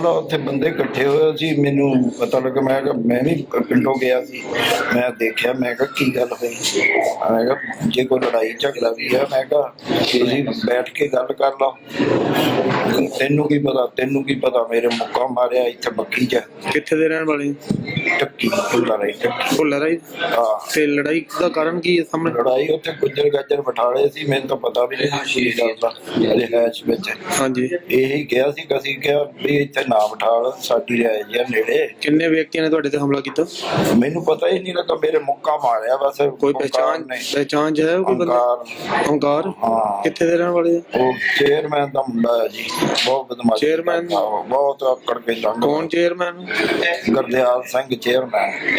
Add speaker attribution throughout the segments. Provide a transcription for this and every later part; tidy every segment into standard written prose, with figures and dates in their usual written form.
Speaker 1: ਮਾਮਲਾ ਉੱਥੇ ਬੰਦੇ ਇਕੱਠੇ ਹੋਏ ਸੀ। ਮੈਨੂੰ ਪਤਾ ਲੱਗਾ, ਮੈਂ ਕਿਹਾ ਮੈਂ ਵੀ ਪਿੰਡੋਂ ਗਿਆ ਸੀ, ਮੈਂ ਦੇਖਿਆ, ਮੈਂ ਕਿਹਾ ਕੀ ਗੱਲ ਹੋਈ। ਮੈਂ ਕਿਹਾ ਜੇ ਕੋਈ ਲੜਾਈ ਝਗੜਾ ਵੀ ਆ, ਮੈਂ ਕਿਹਾ ਤੁਸੀਂ ਬੈਠ ਕੇ ਗੱਲ ਕਰ ਲਓ। ਤੈਨੂੰ ਕੀ ਪਤਾ, ਤੈਨੂੰ ਕੀ ਪਤਾ, ਮੇਰੇ ਮੁੱਕਾ ਮਾਰਿਆ ਇੱਥੇ ਬੱਕੀ ਚ।
Speaker 2: ਕਿੱਥੇ ਦੇ ਰਹਿਣ ਵਾਲੇ?
Speaker 1: ਟੱਕੀ ਭੁੱਲਾ ਰਹੀ, ਟੱਕੀ
Speaker 2: ਭੁੱਲਾ ਰਾਈ।
Speaker 1: ਹਾਂ।
Speaker 2: ਤੇ ਲੜਾਈ ਦਾ ਕਾਰਨ ਕੀ ਹੈ ਸਾਹਮਣੇ?
Speaker 1: ਲੜਾਈ ਉੱਥੇ ਗੁੱਜਰ ਗੱਜਰ ਬਿਠਾਲੇ ਸੀ, ਮੈਨੂੰ ਤਾਂ ਪਤਾ ਵੀ ਨਹੀਂ ਸੀ ਗੱਲ ਦਾ ਰਿਹਾਇਸ਼ ਵਿੱਚ।
Speaker 2: ਹਾਂਜੀ,
Speaker 1: ਇਹੀ ਕਿਹਾ ਸੀ, ਅਸੀਂ ਕਿਹਾ ਵੀ ਇੱਥੇ ਨਾ ਬਿਠਾਲ, ਸਾਡੀ ਰਿਹਾਇਸ਼ ਆ ਨੇੜੇ।
Speaker 2: ਕਿੰਨੇ ਵਿਅਕਤੀਆਂ ਨੇ ਤੁਹਾਡੇ ਤੇ ਹਮਲਾ ਕੀਤਾ?
Speaker 1: ਮੈਨੂੰ ਪਤਾ ਹੀ ਨਹੀਂ ਲੱਗਾ, ਮੇਰੇ ਮੁੱਕਾ ਮਾਰਿਆ ਬਸ।
Speaker 2: ਕੋਈ ਪਹਿਚਾਣ ਚ ਹੈ ਕੋਈ ਬੰਦਾ? ਓਂਕਾਰ।
Speaker 1: ਹਾਂ।
Speaker 2: ਕਿੱਥੇ ਦੇ ਰਹਿਣ ਵਾਲੇ?
Speaker 1: ਉਹ ਚੇਅਰਮੈਨ ਦਾ ਮੁੰਡਾ ਹੈ ਜੀ, ਬਹੁਤ ਬਦਮਾਸ਼।
Speaker 2: ਚੇਅਰਮੈਨ?
Speaker 1: ਬਹੁਤ ਆਕੜ ਕੇ ਲੰਘ।
Speaker 2: ਕੌਣ chairman?
Speaker 1: Gurdial Singh chairman,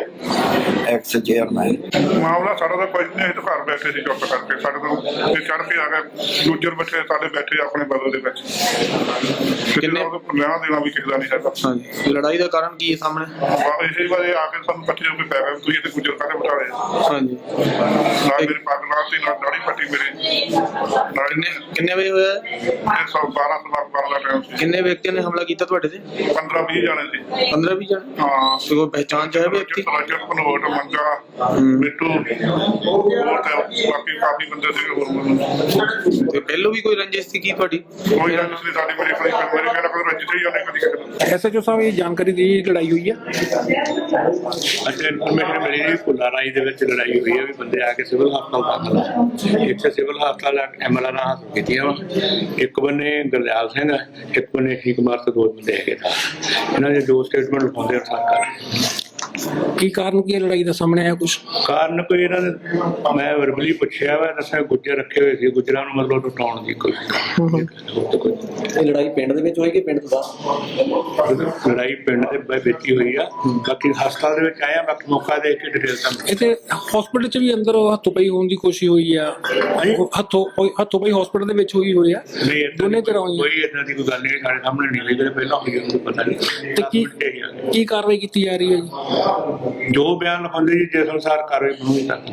Speaker 1: ex chairman.
Speaker 3: ਮਾਮਲਾ ਸਾਡਾ ਤਾਂ ਕੁਝ ਨਹੀਂ, ਅਸੀਂ ਘਰ ਬੈਠੇ ਸੀ ਚੁੱਪ ਕਰਕੇ। ਸਾਡੇ ਤੋਂ ਚੜ ਕੇ ਆ ਗਏ ਦੂਜੇ ਬੱਚੇ ਸਾਡੇ ਬੈਠੇ ਆਪਣੇ ਬਦਲ ਦੇ ਵਿੱਚ।
Speaker 2: ਕਿੰਨੇ
Speaker 3: ਲੈਣਾ ਦੇਣਾ ਵੀ ਕਿਸੇ ਦਾ ਨਹੀਂ ਹੈਗਾ।
Speaker 2: ਹਾਂਜੀ, ਲੜਾਈ ਦਾ ਕਾਰਨ ਕੀ ਹੈ ਸਾਹਮਣੇ?
Speaker 3: ਇਸੇ ਵਾਰੇ ਆ ਕੇ ਸਾਨੂੰ ਬੱਚੇ ਨੂੰ ਪੈ ਗਏ, ਤੁਸੀਂ ਇੱਥੇ ਗੁੱਜਰ ਕਾਹਦੇ ਬਿਠਾ ਰਹੇ?
Speaker 2: ਹਾਂਜੀ,
Speaker 3: ਨਾਲ ਮੇਰੀ ਪੱਗ ਲਾਤੀ, ਨਾਲ ਦਾੜੀ ਪੱਟੀ ਮੇਰੀ ਨਾਲ।
Speaker 2: ਕਿੰਨੇ ਵਜੇ ਹੋਇਆ?
Speaker 3: 12 ਦਾ ਟਾਈਮ ਸੀ।
Speaker 2: ਕਿੰਨੇ ਵਿਅਕਤੀਆਂ ਨੇ ਹਮਲਾ ਕੀਤਾ ਤੁਹਾਡੇ ਤੇ?
Speaker 3: 15-20 ਜਾਣੇ ਸੀ।
Speaker 2: 15-20 ਜਾਣੇ?
Speaker 3: ਹਾਂ।
Speaker 2: ਤੇ ਕੋਈ ਪਹਿਚਾਣ ਚ ਹੈ ਵਿਅਕਤੀ?
Speaker 3: ਭਨੋਟ, ਮੰਗਾ, ਮਿੱਟੂ, ਹੋਰ ਤੇ ਬਾਕੀ ਕਾਫੀ ਬੰਦੇ ਸੀਗੇ ਹੋਰ।
Speaker 2: ਤੇ ਪਹਿਲੋਂ ਵੀ ਕੋਈ ਰੰਜਿਸ਼ ਸੀ ਕੀ ਤੁਹਾਡੀ?
Speaker 3: ਕੋਈ ਗੱਲ ਨਹੀਂ ਸਾਡੀ, ਮੇਰੇ ਕਹਿੰਦਾ ਕੋਈ ਰੰਜਿਸ਼ ਹੀ ਉਹਨੇ ਕਦੀ ਕਿਸੇ।
Speaker 4: ਐਸਐਚਓ ਸਾਹਿਬ ਇਹ ਜਾਣਕਾਰੀ ਦੀ ਲੜਾਈ ਹੋਈ ਹੈ?
Speaker 5: ਅੱਛਾ, ਇਨਫੋਰਮੇਸ਼ਨ ਮਿਲੀ ਜੀ ਭੁੱਲਾ ਰਾਈ ਦੇ ਵਿੱਚ ਲੜਾਈ ਹੋਈ ਹੈ ਵੀ ਬੰਦੇ ਆ ਕੇ ਸਿਵਲ ਹਸਪਤਾਲ ਦਾਖਲ ਆ। ਇੱਥੇ ਸਿਵਲ ਹਸਪਤਾਲ ਐਮਐਲਆਰ ਨਾਲ ਹਾਸਲ ਕੀਤੀਆਂ ਵਾ। ਇੱਕ ਬੰਨੇ ਗੁਰਦਿਆਲ ਸਿੰਘ ਹੈ, ਇੱਕ ਬੰਨੇ ਠੀਕ ਕੁਮਾਰ ਤੇ ਦੋ ਬੰਦੇ ਹੈਗੇ ਤਾਂ ਇਹਨਾਂ ਦੇ ਦੋ ਸਟੇਟਮੈਂਟ ਲਿਖਾਉਂਦੇ ਅਨੁਸਾਰ ਕਰ।
Speaker 4: ਕੀ ਕਾਰਨ ਕੀ ਹੈ ਲੜਾਈ ਦਾ ਸਾਹਮਣੇ ਆਇਆ ਕੁਛ?
Speaker 5: ਕਾਰਨ ਕੋਈ ਇਹਨਾਂ ਨੇ, ਮੈਂ ਵਰਬਲੀ ਪੁੱਛਿਆ ਵਾ, ਦੱਸਿਆ ਗੁੱਜਰ ਰੱਖੇ ਹੋਏ ਸੀ, ਗੁੱਜਰਾਂ ਨੂੰ ਮਤਲਬ ਲੁਟਾਉਣ ਦੀ ਕੋਈ।
Speaker 6: ਇਹ ਲੜਾਈ ਪਿੰਡ ਦੇ ਵਿੱਚ ਹੋਈ ਕਿ ਪਿੰਡ ਤੋਂ ਬਾਹਰ?
Speaker 5: ਲੜਾਈ ਪਿੰਡ ਦੇ ਵਿੱਚ ਹੀ ਹੋਈ ਆ। ਬਾਕੀ ਹਸਪਤਾਲ ਦੇ ਵਿੱਚ ਆਇਆ, ਬਾਕੀ ਮੌਕਾ ਦੇਖ ਕੇ ਡਿਟੇਲ ਤੁਹਾਨੂੰ।
Speaker 4: ਇੱਥੇ ਹਸਪੀਟਲ 'ਚ ਵੀ ਅੰਦਰ ਹੱਥੋਂ ਪਈ ਹੋਣ ਦੀ ਕੋਸ਼ਿਸ਼ ਹੋਈ ਆ? ਹੱਥੋਂ ਪਈ ਹਸਪੀਟਲ ਦੇ ਵਿੱਚ ਹੋਈ ਆ? ਦੋਨੇ ਤਰ੍ਹਾਂ ਹੋਈ?
Speaker 5: ਕੋਈ ਏਦਾਂ ਦੀ ਕੋਈ ਗੱਲ ਨਹੀਂ, ਸਾਡੇ ਸਾਹਮਣੇ ਨਹੀਂ ਹੋਈ, ਪਹਿਲਾਂ ਹੋਈ ਉਹਨੂੰ ਪਤਾ ਨਹੀਂ।
Speaker 4: ਤੇ ਕੀ ਕਾਰਵਾਈ ਕੀਤੀ ਜਾ ਰਹੀ ਹੈ ਜੀ?
Speaker 5: ਜੋ ਬਿਆਨ ਲਿਖਾਉਂਦੇ ਜੀ ਜਿਸ ਅਨੁਸਾਰ ਕਾਰਵਾਈ ਬਣੂਗੀ ਤਾਂ